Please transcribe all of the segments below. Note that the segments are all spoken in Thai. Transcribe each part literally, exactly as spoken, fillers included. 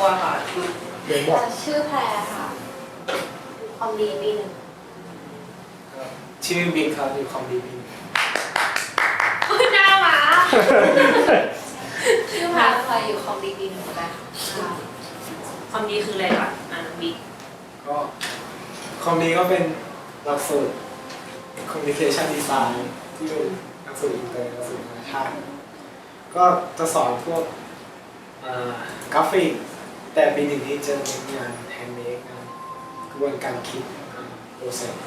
ค่ะเดี๋ยวบอกชื่อแพรค่ะคอมดีปีหนึ่งชื่อบิ๊กครับอยู่คอมดีบีหน้าหมาชื่อแพรเคยอยู่คอมดีปีหนึ่งเหมือนกันค่ะความดีคืออะไรก่อนอ่านบิ๊กก็คอมดีก็เป็นหลักสูตร Communication Design ที่เป็นหลักสูตรอินเตอร์หลักสูตรนานาชาติก็จะสอนพวกกราฟิกแต่ปีหนึ่งนี้จะเน้นงานแฮนด์เมดงานกระบวนการคิดโปรเซส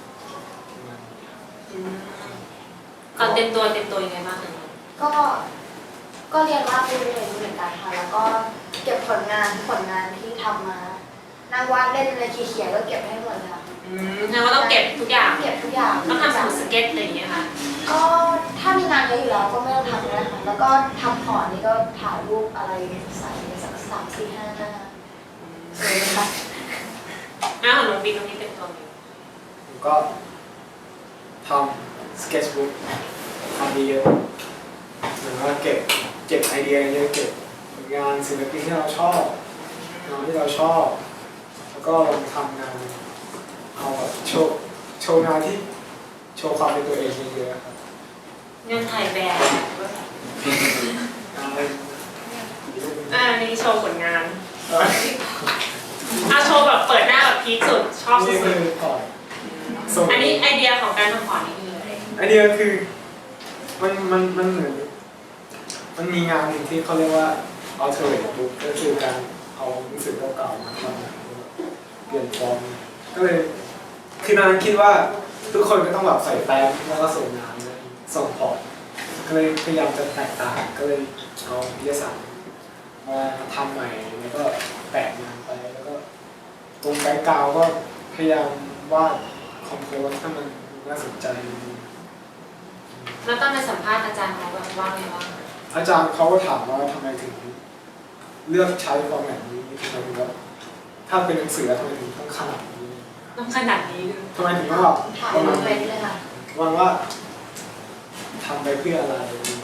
ก่อนเต็มตัวเต็มตัวยังไงบ้างคะก็ก็เรียนวาดรูปเรียนเหมือนกันค่ะแล้วก็เก็บผลงานผลงานที่ทำมานั่งวาดเล่นอะไรเขียนๆก็เก็บให้หมดเลยค่ะอืมแสดงว่าต้องเก็บทุกอย่างเก็บทุกอย่างต้องทำสมุดสเก็ตอะไรอย่างเงี้ยค่ะก็ถ้ามีงานเยอะอยู่แล้วก็ไม่ต้องทำก็ได้ค่ะแล้วก็ทำพอร์ตนี่ก็ถ่ายรูปอะไรใส่ในสักสามสี่ห้าหน้าเลยค่ะหน้าของน้องบิ๊กตรงนี้เต็มตัวไหมผมก็ทำสเก็ตบุ๊กทำดีเยอะเหมือนว่าเก็บเก็บไอเดียเยอะเก็บผลงานศิลปินที่เราชอบงานที่เราชอบแล้วก็ลองทำงานเอาแบบโชว์โชว์งานที่โชว์ความเป็นตัวเองเยอะๆครับงานถ่ายแบบงานอะไรอ่านี่โชว์ผลงานอ่ะโชว์แบบเปิดหน้าแบบพีคสุดชอบสุนี่คือดพอร์ตๆอันนี้ไอเดียของการทำพอร์ตนี่คืออะไรไอเดียคือมันมันมันเหมือนมันมีงานหนึ่งที่เขาเรียกว่า alternate book ก็คือการเอาหนังสือเก่าๆมาทำเปลี่ยนฟอร์มก็เลยคือตอนนั้นคิดว่าทุกคนก็ต้องแบบใส่แฟ้มแล้วก็ส่งงานส่งพอร์ตก็เลยพยายามจะแตกต่างก็เลยเอาวิทยาศาสตร์มาทำใหม่แล้วก็แปะงานไปแล้วก็ตรงแบ็คกราวด์ก็พยายามวาดคอมโพสให้มันน่าสนใจแล้วตอนไปสัมภาษณ์อาจารย์เขาแบบว่าไงบ้างอาจารย์เขาก็ถามว่าทำไมถึงเลือกใช้ฟอร์แมตนี้ทำไมถึงว่าถ้าเป็นหนังสือทำไมถึงต้องขนาดนี้ต้องขนาดนี้เลยทำไมถึงต้องแบบถ่ายประมาณเป็นเลยค่ะวางว่าทำไปเพื่ออะไร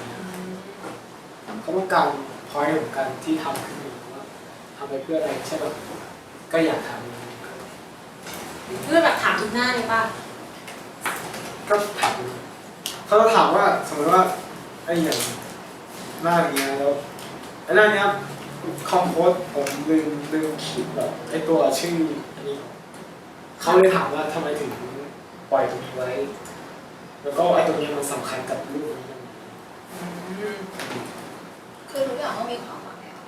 เขาต้องการพอยต์ของการที่ทำขึ้นมาว่าทำไปเพื่ออะไรใช่แบบก็อยากทำเพื่อแบบถามทุกหน้าเลยป่ะก็ถามเขาจะถามว่าสมมติว่าไอ้อย่างหน้านี้แล้วไอ้หน้านี้คอมโพสผมลืมลืมคิดแบบไอ้ตัวชื่ออันนี้เขาเลยถามว่าทำไมถึงปล่อยตรงนี้ไว้ แล้วก็ไอ้ตรงนี้มันสำคัญกับรูปนี้ยังไงคือทุกอย่างต้องมีความหมายอะ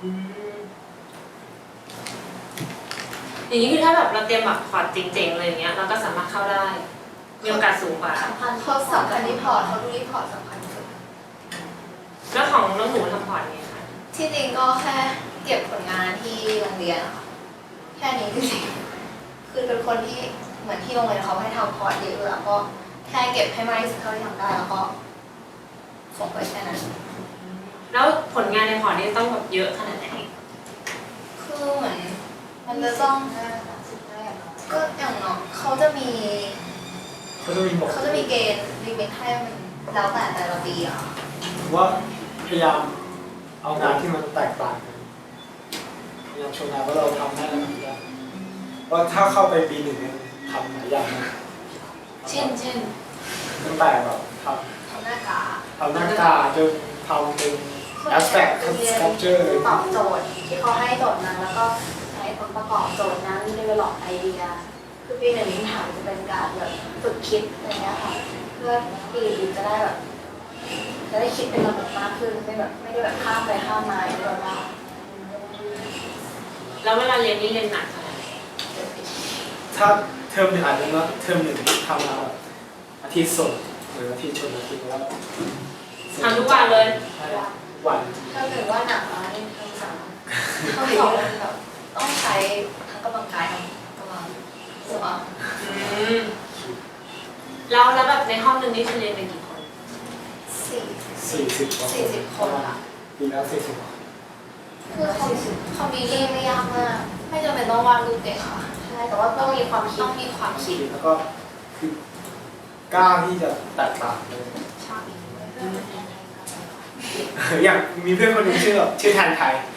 อย่างนี้คือถ้าแบบเราเตรียมแบบพอร์ตเจ๋งๆอะไรอย่างเงี้ยเราก็สามารถเข้าได้มีโอกาสสูงกว่าสำคัญเขาสำคัญที่พอร์ตเขาดูที่พอร์ตสำคัญที่สุดแล้วของน้องหนูทำพอร์ตไงคะที่จริงก็แค่เก็บผลงานที่โรงเรียนอะค่ะแค่นี้จริงๆคือเป็นคนที่เหมือนที่โรงเรียนเขาให้ทำพอร์ตเยอะแล้วก็แค่เก็บให้มากที่สุดเท่าที่ทำได้แล้วก็ส่งไปแค่นั้นแล้วผลงานในพอร์ตนี่ต้องแบบเยอะขนาดไหนคือเหมือนมันจะต้องก็อย่างเนาะเขาจะมีเขาจะมีบอกเขาจะมีเกณฑ์ลิมิตให้มันแล้วแต่แต่ละปีอะว่าพยายามเอางานที่มันแตกต่างกันพยายามโชว์งานว่าเราทำได้แล้วทำได้ว่าถ้าเข้าไปปีหนึ่งเนี่ยทำหลายอย่างนะเช่นเช่นตั้งแต่แบบททำหน้ากากำทำหน้ากากจนทำเป็น abstract sculpture เลยตอบโจทย์ที่เขาให้โจทย์นั้นแล้วก็ใช้ผลประกอบโจทย์นั้น develop ไอเดียคือปีหนึ่งนี้ถามจะเป็นการแบบฝึกคิดอะไรเงี้ยค่ะเพื่อปีอื่นจะได้แบบจะได้คิดเป็นระบบมากขึ้นไม่แบบไม่ได้แบบข้ามไปข้ามมาอย่างเดียวว่าแล้วเวลาเรียนนี่เรียนหนักขนาดไหนถ้าเทอมหนึ่งอาจจะว่าเทอมหนึ่งทำมาแบบอาทิตย์สดหรืออาทิตย์ชนอาทิตย์แล้วทำทุกวันเลยใช่วันถ้าเกิดว่าหนักร้ายทางสามเขาสองมันแบบต้องใช้ทั้งกำลังกายทั้งกำลังสมองอืมแล้วแล้วแบบในห้องหนึ่งนี่จะเรียนเป็นกี่คนสี่สี่สิบสี่สิบคนค่ะปีแล้วสี่สิบคือคอมคอมพิวเตอร์ไม่ยากมากไม่จำเป็นต้องวาดรูปเองค่ะใช่แต่ว่าต้องมีความคิดต้องมีความคิดแล้วก็คือกล้าที่จะแตกต่างเลยชอบอย่างมีเพื่อนคนหนึงชื่อแบบชื่อแทนไทย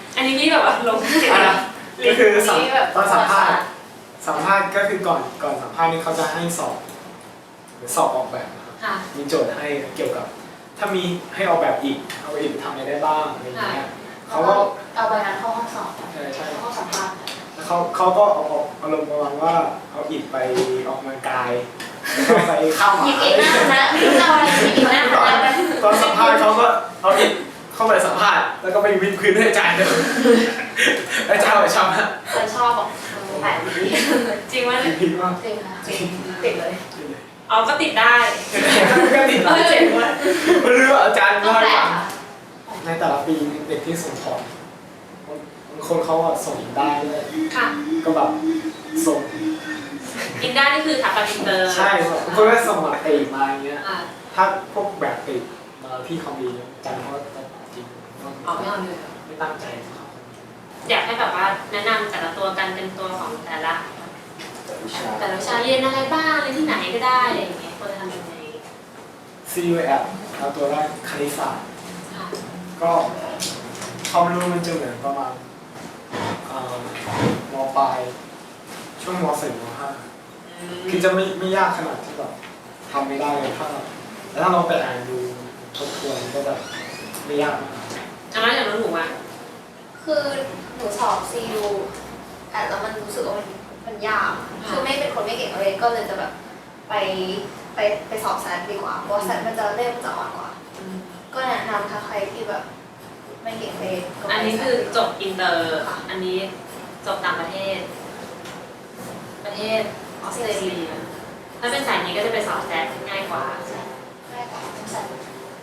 อันนี้พี่แบบว่าลงอ่ะก็คือสัมนี่แบบตอนสัมภาษณ์สัมภาษณ์ก็คือก่อนก่อนสัมภาษณ์นี่เขาจะให้สอบหรือสอบออกแบบนะครับค่ะมีโจทย์ให้เกี่ยวกับ ถ้ามีให้ออกแบบอีกเอาอีกทำอะไรได้บ้างอะไรอย่างเงี้ยเขาก็เอาใบนั้นเข้าห้องสอบใช่ใช่เข้าห้องสัมภาษณ์แล้วเขาเขาก็เอาเอาอารมณ์ประมาณว่าเอาอิฐไปออกกำลังกายแล้วก็ไปข้ามหหยิบมาอีกหน้าคณะหยิบเอาอะไรหยิบอีกหน้าคตอนณะตอนสัมภาษณ์เขาก็เอาอิฐเข้าไปสัมภาษณ์แล้วก็ไปวิดพื้นให้อาจารย์ดูอาจารย์บอกชอบนะเคยชอบของแปดดีจริงว่าจริงมากจริงค่ะจริงติดเลยเอาก็ติดได้ก็ติดเออเจ๋งว่ะไม่รู้ว่าอาจารย์ต้องเล่าให้แปลฟังค่ะในแต่ละปีเด็กที่ส่งของบางคนเขาอะส่งอินได้ด้วยค่ะก็แบบส่งอินด้านี่คือสถาปัตย์อินเตอร์ใช่บางคนก็ส่งแบบตีมาอย่างเงี้ยอ่าถ้าพวกแบบติดมาที่คอมดีอาจารย์เขาก็จะจริงเอาไม่เอาเลยไม่ตั้งใจเขาอยากให้แบบว่าแนะนำแต่ละตัวกันเป็นตัวของแต่ละแต่วิชาแต่ละวิชาเรียนอะไรบ้างเรียนที่ไหนก็ได้อะไรอย่างเงี้ยควรจะทำยังไงซี ยู แอปเอาตัวแรกคณิตศาสตร์ค่ะก็ความรู้มันจะเหมือนประมาณเอ่อมปลายช่วงมสี่มห้าคือจะไม่ไม่ยากขนาดที่แบบทำไม่ได้เลยถ้าแต่ถ้าเราไปอ่านดูทบทวนก็แบบไม่ยากมากอันนั้นอย่างน้องหนูอ่ะคือหนูสอบซีอูแต่แล้วมันรู้สึกว่ามันมันยากคือไม่เป็นคนไม่เก่งเลยก็เลยจะแบบไปไปไปสอบแซดดีกว่าเพราะว่าแซดมันจะเล่มจะอ่อนกว่า ก็แนะนำถ้าใครที่แบบไม่เก่งเลยก็ไปอันนี้คือจบอินเตอร์ อันนี้จบต่างประเทศ ประเทศออสเตรเลีย ถ้าเป็นสายนี้ก็จะไปสอบแซดง่ายกว่าแรกกับแซด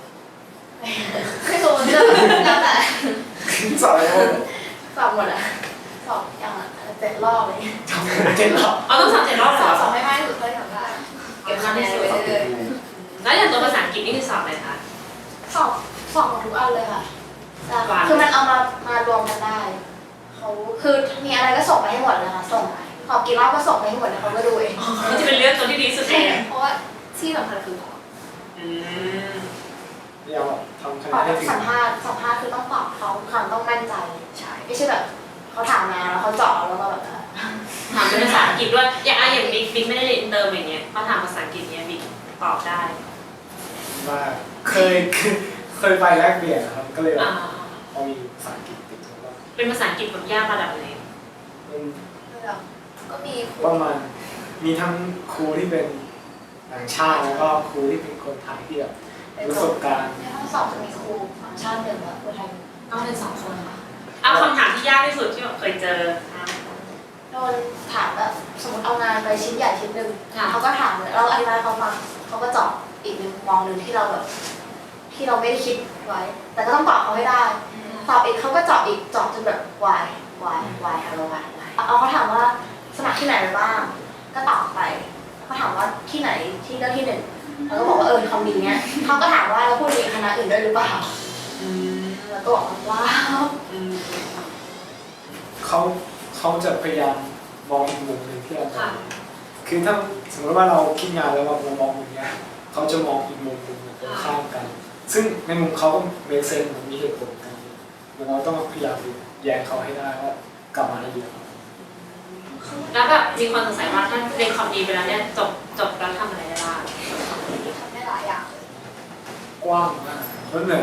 ไม่รู้มันจะแล้วแต่สอบอะไรพวกสอบหมดอะสอบอย่างละเจ็ดรอบเลยทำเจ็ดรอบเอาต้องสอบเจ็ดรอบเหสรอบอสอบไม่ไม่สุดเลยทำได้เก็บคะแนนไว้เรื่อยแล้วอย่างตัวภาษาอังกฤษนี่คือสอบอะไรคะๆสอบสอบหมดทุกอันเลยค่ะแต่คือมันเอามามารวมกันได้เขาคือมีอะไรก็ส่งไปให้หมดเลยค่ะส่งสอบกี่รอบก็ส่งไปให้หมดเลยเขาก็ดูเองมันจะเป็นเรื่องตัวที่ดีสุดเองเพราะว่าที่สำคัญคือตอบอืมเดี๋ยวทำคะตแนอนนให้ถึงสัมภาษณ์สัมภาษณ์คือต้องตอบเขาคำต้องมั่นใจใช่ไม่ใช่แบบเขาถามมาแล้วเขาเจาะแล้วก็แบบถามเป็นภาษาอังกฤษด้วย อย่างอ่ะอย่างบิ๊กบิ๊กไม่ได้เรียนอินเตอร์อย่างเงี้ยเขาถามภาษาอังกฤษเนี้ยบิ๊กตอบได้ว่าเคยเคยไปแลกเปลี่ยนนะครับก็เลยแบอ่าบพอมีภาษาอังกฤษติดตัวบ้างเป็นภาษาอังกฤษแบบยากระดับไหนมันก็มีครูประมาณมีทั้งครูที่เป็นต่างชาติแล้วก็ครูที่เป็นคนไทยที่แบบประสบการณ์ในห้องสอบจะมีครูต่างชาติหนึ่งและครูไทยก็เป็นสองคนค่ะ เอาคำถามที่ยากที่สุดที่แบบเคยเจออ่ะโดนถามแบบสมมติเอางานไปชิ้นใหญ่ชิ้นหนึ่งค่ะเขาก็ถามเลยเราอธิบายเขาฟังเขาก็เจาะอีกมุมมองหนึ่งที่เราแบบที่เราไม่ได้คิดไว้ แต่ก็ต้องตอบเขาให้ได้ตอบอีกเขาก็เจาะอีกเจาะจนแบบ why why why hello why why เอาเขาถามว่าสมัครที่ไหนไปบ้างก็ตอบไปเขาถามว่าที่ไหนที่เลือกที่หนึ่งเราก็บอกว่าเออคำนี้เนี้ยเขาก็ถามว่าเราพูดในคณะอื่นด้วยหรือเปล่าอืมแล้วก็บอกว่าว้าวอืมเขาเขาจะพยายามมองอีกมุมหนึ่งที่เรามอค่ะงคือถ้าสมมติว่าเราคิดงานแล้วเรามองมุมเนี้ยเขาจะมองอีกมุมหนึ่งตรงข้ามกัน ซึ่งในมุมเขาก็เมคเซนมันมีเหตุผลกันมันเราต้องพยายามแย้งเขาให้ได้ว่ากลับมาได้ดีแล้วแบบมีคนสงสัยว่าถ้าเรียนคอมดีไปแล้วเนี่ยจบจบแล้วทำอะไรได้บ้างทำได้หลายอย่างเลยกว้างมากแล้วเหนื่อย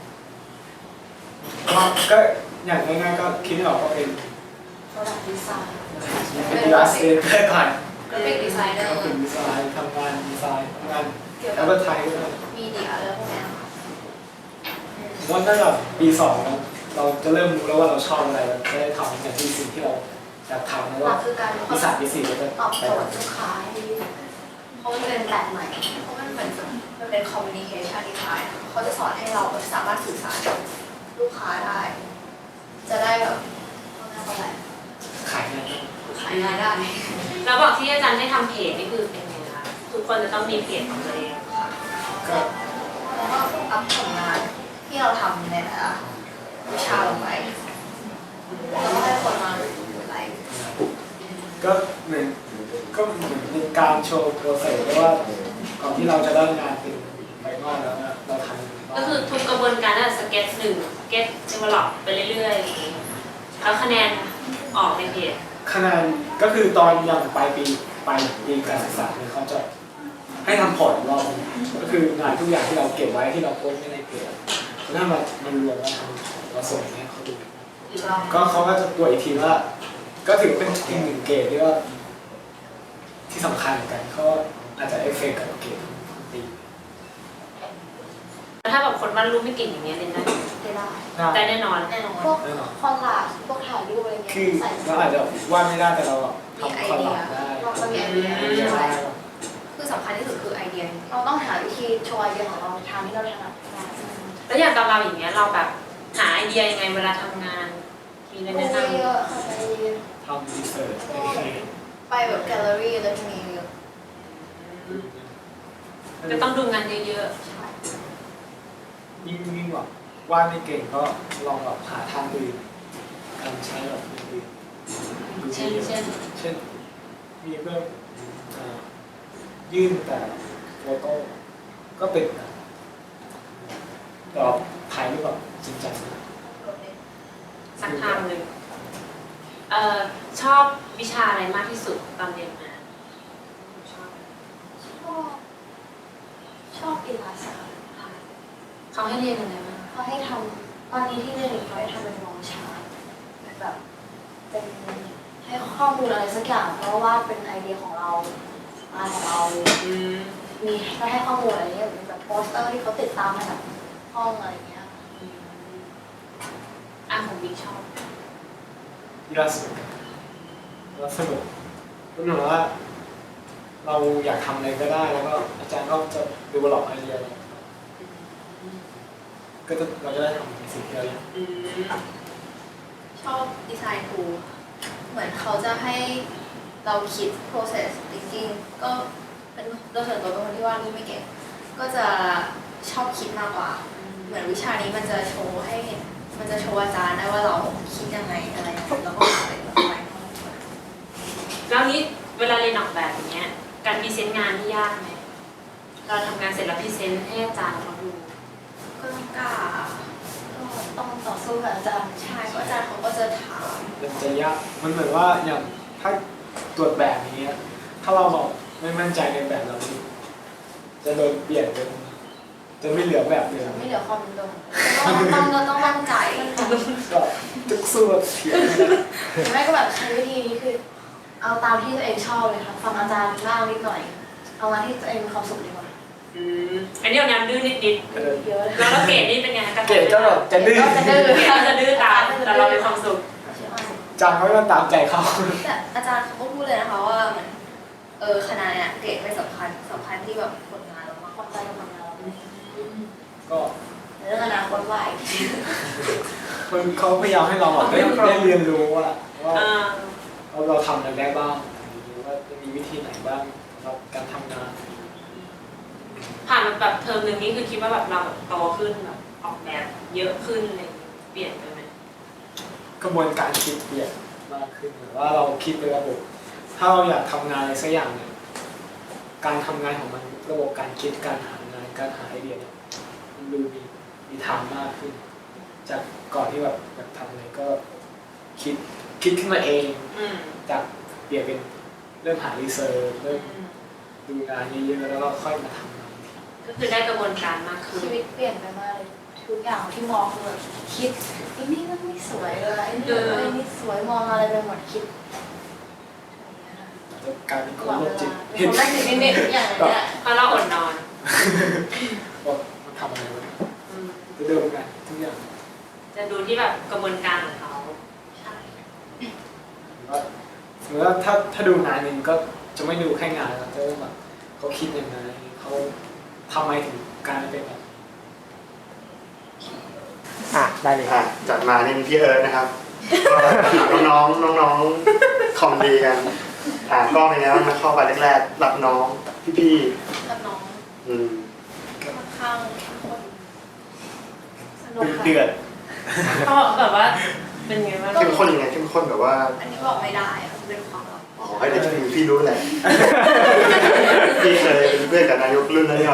ก็ก็อย่างง่ายๆก็คิดไม่ออกก็เป็น product design เป็นดีไซน์ได้ผ่านก็เป็นดีไซเนอก็ร์เป็นดีไซน์ทำงานดีไซน์ทำงานเกี่ยวแล้กัวบก็ไทยก็ได้มีเดียอะไรพวกเนี้ยค่ะผมว่าตั้งแต่ปีสองเราจะเริ่มรู้แล้วว่าเราชอบอะไรเราจะได้ทำอย่างที่สิ่งที่เราอยากทำแล้วหลัว่ากคือการปีสามปีสี่เราจะตอบไปโจททำย์ลูกค้าให้ดีเพราะมันเป็นแปลกใหม่เพราะมันเหมือนมันเป็น communication design เขาจะสอนให้เราแบบสามารถสื่อสารกับลูกค้าได้ จะได้แบบเขาเรียกว่าอะไรขายงานขายงานได้แล้วบอกที่อาจารย์ให้ทำเพจนี่คือเป็นไงคะทุกคนจะต้องมีเพจของตัวเองก็แล้วก็อัพผลงานที่เราทำในแต่ละวิชาลงไปแล้วก็ให้คนมาไลค์ก็เหมือนก็เหมือนเป็นการโชว์โปรเซสว่าก่อนที่เราจะได้งานเป็นไฟนอลแล้วนะเราทำก็คือทุกกระบวนการตั้งแต่สเก็ตหนึ่งสเก็ตเดเวลลอปไปเรื่อยๆอย่างนี้แล้วคะแนนออกในเพจคะแนนก็คือตอนอย่างปลายปีปลายปีการศึกษาเนี่ยเขาจะให้ทำพอร์ตอีกรอบนึงก็คืองานทุกอย่างที่เราเก็บไว้ที่เราโพสต์ไว้ในเพจถ้ามันมันรวมแล้วเราส่งให้เขาดูอีกรอบก็เขาก็จะตรวจอีกทีว่า ก็ถือเป็นอีกหนึ่งเกรดที่ว่าที่สำคัญเหมือนกันเขาอาจจะเอฟเฟกต์กับเกรดของปีแล้วถ้าแบบคนวาดรูปไม่เก่งอย่างเงี้ยเรียนได้ได้ได้แน่นอนแน่นอนพวกคอนลาสพวกถ่ายรูปอะไรเงี้ยคือใส่เราอาจจะวาดไม่ได้แต่เราทำคอนหลับได้เราก็มีไอเดียไอเดียได้คือสำคัญที่สุดคือไอเดียเราต้องหาวิธีโชว์ไอเดียของเราทางที่เราถนัดได้แล้วอย่างตอนเราอย่างเงี้ยเราแบบหาไอเดียยังไงเวลาทำงาน มีอะไรดูแนะนเยอะค่ะไปทำรีเสิร์ชไปแบบแกลเลอรี่แล้วมีเยอะำก็ต้องดูงานเยอะยิ่งยิ่งแบบวาดไม่เก่งก็ลองแบบหาทางอื่นการใช้แบบอื่นๆ เช่นเช่นเช่นมีเพื่อนอ่ายื่นแต่โฟโต้ก็เป็นนะแต่ว่าถ่ายรูปแบบจริงจังนะสักทางหนึ่งเอ่อชอบวิชาอะไรมากที่สุดตอนเรียนมาชอบชอบชอบกีฬาศาสตร์เขาให้เรียนอะไรบ้างเขาให้ทำตอนนี้ที่เรียนอีกเขาให้ทำเป็นมองชาร์ตแบบเป็นให้ข้อมูลอะไรสักอย่างแล้ววาดเป็นไอเดียของเรางานของเราอืมมีให้ข้อมูลอะไรเงี้ยเป็นแบบโปสเตอร์ที่เขาติดตามมาจากห้องอะไรเงี้ยอืมอ่ะของบิ๊กชอบกีฬาสนุกแล้วสนุกก็เหมือนว่า เราอยากทำอะไรก็ได้แล้วก็อาจารย์ก็จะดูบล็อกไอเดียเราก็จะเราจะได้ทำสิ่งที่เราอยากอืมชอบดีไซน์ทูเหมือนเขาจะให้เราคิด process thinking ก็เป็นโดยส่วนตัวเป็นคนที่วาดรูปไม่เก่งก็จะชอบคิดมากกว่า เหมือนวิชานี้มันจะโชว์ให้เห็นมันจะโชว์อาจารย์ได้ว่าเราคิดยังไงอะไรยังไงแล้วก็อะไรแบบไปแล้วนี้เวลาเรียนออกแบบอย่างเงี้ย การพรีเซนต์งานนี่ยากไหมเราทำงานเสร็จแล้วพรีเซนต์ให้อาจารย์เขาดูก็ต้องกล้าก็ต้องต่อสู้กับอาจารย์ใช่เพราะอาจารย์เขาก็จะถามมันจะยากมันเหมือนว่าอย่างถ้าตรวจแบบนี้ยถ้าเราบอกไม่มั่นใจในแบบเรานี่จะโดนเปลี่ยนเป็นจะไม่เหลือแบบเดิมไม่เหลือความเป็นตัวต้องต้องต้องมั่นใจก็ทุกสู้แบบเถียงนะหรือไม่ก็แบบใช้วิธีนี้คือ เอาตามที่ตัวเองชอบเลยค่ะฟังอาจารย์บ้างนิดหน่อย เอามาที่ตัวเองมีความสุขดีกว่าอืมอันนี้เอาแนวดื้อนิดเยอะๆแล้วเราเกรดนี่เป็นไงคะเกรดก็แบบจะดื้อจะดื้อเกรดก็จะดื้อตามแต่เรามีความสุขจำเขาก็ตามใจเขาแต่อาจารย์เขาก็พูดเลยนะคะว่าเหมือนเออคณะเนี่ยเกรดไม่สำคัญสำคัญที่แบบผลงานเรามากความใจกับความเราก็ในเรื่องอนาคตว่าอีกทีมันเขาพยายามให้เราแบบได้ได้เรียนรู้ว่าว่าอ่าเราเราทำอะไรได้บ้างหรือว่าจะมีวิธีไหนบ้างสำหรับการทำงานผ่านมาแบบเทอมหนึ่งนี่คือคิดว่าแบบเราแบบโตขึ้นแบบออกแบบเยอะขึ้นอะไรอย่างเงี้ยเปลี่ยนไปไหมกระบวนการคิดเปลี่ยนมากขึ้นหรือว่าเราคิดเป็นระบบ ถ้าเราอยากทำงานอะไรสักอย่างเนี่ยการทำงานของมันระบบการคิดการหางานการหาไอเดียเนี่ยมันดูมีมีทางมากขึ้น จากก่อนที่แบบอยากทำอะไรก็คิดคิดขึ้นมาเองอืมจากเปลี่ยนเป็นเริ่มหารีเสิร์ชเริ่มดูงานเยอะๆแล้วก็ค่อยมาทำงานทีก็คือได้กระบวนการมากขึ้นชีวิตเปลี่ยนไปมากเลยทุกอย่างที่มองคือแบบคิดไอ้นี่มันไม่สวยเลยไอ้นี่ไอ้นี่สวยมองอะไรไปหมดคิดอาจจะกลายเป็นคตนลอดโรเวคจิตลาเป็เห็นนคนแรกนิดๆอย่างเงี้ยเพราะเราอดนอนว่ามันทำอะไรวะอืมจะเดิมกันทุกอย่างจะดูที่แบบกระบวนการของเขาใช่หรือว่าสมมติว่าถ้าถ้าดูงานหนึ่งก็จะไม่ดูแค่งานแล้วจะต้องแบบเขาคิดยังไงเขาทำไมถึงการเป็นแบบอ่ะได้เลยอ่ะจัดมานี่เป็นพี่เอิร์ธนะครับ ก็น้องๆน้องๆคอมดีกันอ่ะก็เป็นไงบ้างนะเข้าไปแรกๆรับน้องพี่กับน้องๆอืมค่อนข้างเข้มข้นสนุกค่ะเดือดเขาแบบว่าเป็นไงบ้างเข้มข้นยังไงเข้มข้นแบบว่าอันนี้บอกไม่ได้อะมันเป็นความลับอ๋อให้เด็กพี่พี่รู้แหละ พี่เคยเป็นเพื่อนกับนายกรุ่นนั้นหน่อย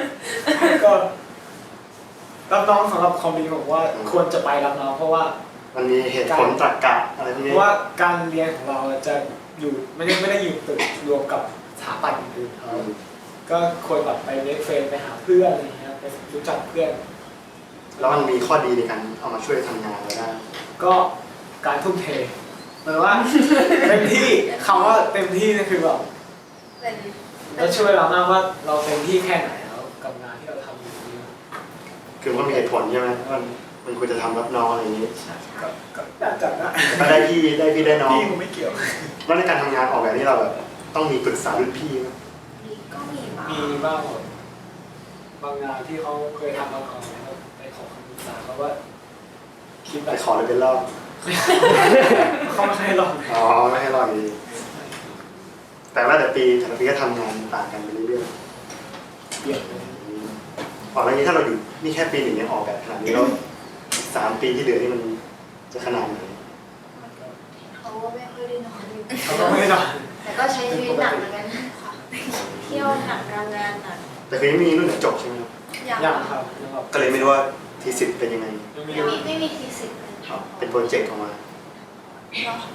ก็รับน้องสำหรับคอมดีบอกว่าควรจะไปรับน้องเพราะว่ามันมีเหตุผลตรรกะอะไรพวกเพนี้ราะว่าการเรียนของเราจะอยู่ไม่ได้ไม่ได้อยู่ตึกรวมกับสถาปัตย์อื่นๆเขาก็ควรแบบไปเน็ตเฟรนไปหาเพื่อนอะไรเงี้ยไปรู้จักเพื่อนแล้วมันมีข้อดีในการเอามาช่วยทำงานเราได้ก็การทุ่มเทหมายว่า เต็มที่คำว่าเต็มที่นี่คือแบบเป็นก็ช่วยเรามากว่าเราเต็มที่แค่ไหนแล้วกับงานที่เราทำอยู่นี้คือมันก็มีเหตุผลใช่ไหมมันมันควรจะทำรับน้องอะไรอย่างนี้ก็ก็อยากจัดนะแต่ก็ได้พี่ได้พี่ได้น้องพี่ผมไม่เกี่ยวแล้วในการทำงานออกแบบนี้เราแบบต้องมีปรึกษารุ่นพี่ไหมก็มีมามีบ้างแบบบางงานที่เขาเคยทำมาก่อนแล้วไปขอคำปรึกษาเขาว่าคิดแบไปบขอเลยเป็นรอบเขาไม่ให้ลองอ๋อไม่ให้รอดีแต่ว่าแต่ปีแต่ละปีก็ทำงานต่างกันไปเรื่อยเปลี่ยนเลยๆออกแบบนี้ถ้าเราอยู่นี่แค่ปีหนึ่งยังออกแบบขนาดนี้แล้วสามปีที่เหลือนี่มันจะขนาดไหนเขาก็ไม่ค่อยได้นอนอยู่เขาก็ไม่ให้ลองแต่ก็ใช้ชีวิตหนักเหมือนกันค่ะเที่ยวหนักการงานหนักแต่คือยังไม่มีรุ่นไหนจบใช่ไหมครับอย่างอย่างครับยังแบบก็เลยไม่รู้ว่าทีสิทธิ์เป็นยังไงยังไม่ไม่รู้มีไม่มีทีสิทธิ์เลยครับเป็นโปรเจกต์ออกมาเนาะ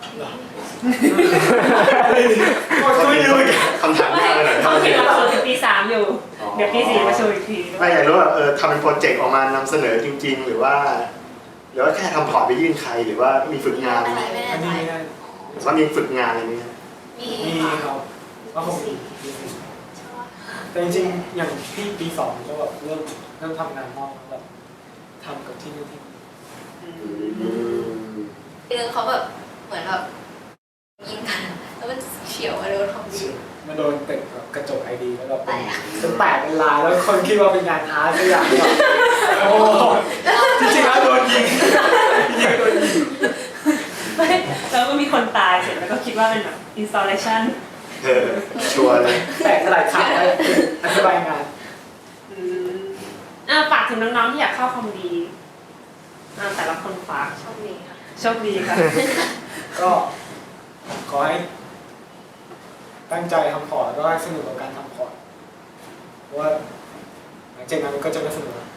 ก็ไม่รู้คำถามยากเลยหน่อยเขาเขียนหลักสูตรถึงปีสามอยู่ เดี๋ยวปีสี่มาโชว์อีกทีไม่อยากรู้ว่าเออทำเป็นโปรเจกต์ออกมานำเสนอจริง ๆ หรือว่าหรือว่าแค่ทำพอร์ตไปยื่นใครหรือว่ามีฝึกงานอันนี้ไม่อัแน่นใจนี้ไม่ได้หรือว่ามีฝึกงานอะไรนี้ยมีมีค่ะครับว่าผมมีแต่จริงๆอย่างที่ปีสองก็แบบเริ่มเริ่มทำงานนอกแล้วแบบทำกับที่นู่นที่นี่อืมทีนึงเขาแบบเหมือนแบบยิงกันแล้วมันเฉียวมาโดนของดีมาโดนตึกแบบกระจกไอดีแล้วแบบเป็นจนแตกเป็นลายแล้วคนคิดว่าเป็นงานอาร์ตสักอย่างแบบโอ้โหจริงๆแล้วโดนยิงจริงๆโดนยิงไม่แล้วก็มีคนตายเสร็จแล้วก็คิดว่าเป็นแบบ installation เออชัวร์เลยแตกสลายขาดเลยอธิบายงานอ่าฝากถึงน้องๆที่อยากเข้าคอมดีอ่าแต่ละคนฝากโชคดีค่ะโชคดีค่ะก็ขอให้ตั้งใจทำพอร์ตแล้วก็ให้สนุกกับการทำพอร์ตเพราะว่าหลังจากนั้นมันก็จะไม่สนุกแล้ว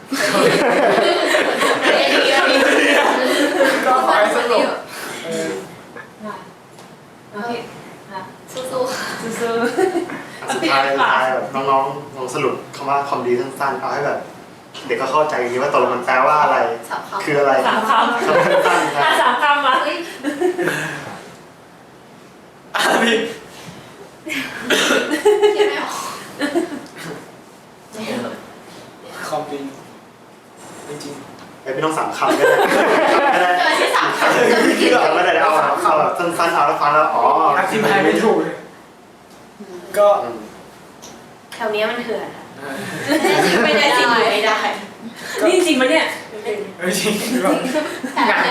ก็ขอให้สนุกเออโอเคค่ะสู้ๆค่ะสู้สุดท้ายสุดท้ายแบบน้องๆลองสรุปคำว่าคอมดีสั้นๆเอาให้แบบเด็กก็เข้าใจจริงๆว่าตกลงมันแปลว่าอะไรสามคำคืออะไรๆสามคำคำสั้นๆคอ่ะรับสามคำมาเฮ้ยอ่ะพี่คิดไม่ออกคอมดีจริงไอ้พี่ต้องสามคำก็ได้ก็ได้เจอที่สามคำคิดคำก็ได้เอาเอาแบบสั้นๆเอาแล้วฟังแล้วอ๋อๆอธิบายไม่ถูกเลยก็อืมแถวนี้มันเถื่อนค่ะเออไม่ได้จริงอยู่ไม่ได้นี่จริงๆมันเนี่ยเออจริงๆแบบงาน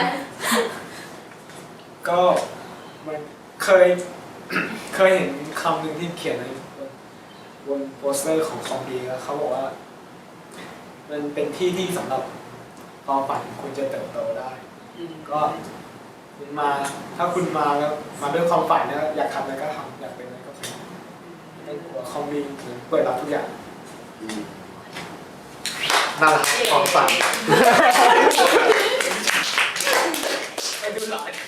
ก็มันเคย เคยเห็นคำหนึ่งที่เขียนในบนโปสเตอร์ของคอมดีแล้วเขาบอกว่า มันเป็นที่ที่สำหรับความฝันของคุณจะเติบโตได้ ก็คุณมาถ้าคุณมาแล้วมาด้วยความฝันนะอยากทำอะไรก็ทำอยากเป็นอะไรก็เป็นไม่ต้องกลัวคอมดีถึงเปิดรับทุกอย่างอืมนั่นแหละครับความฝันไปดูหลาย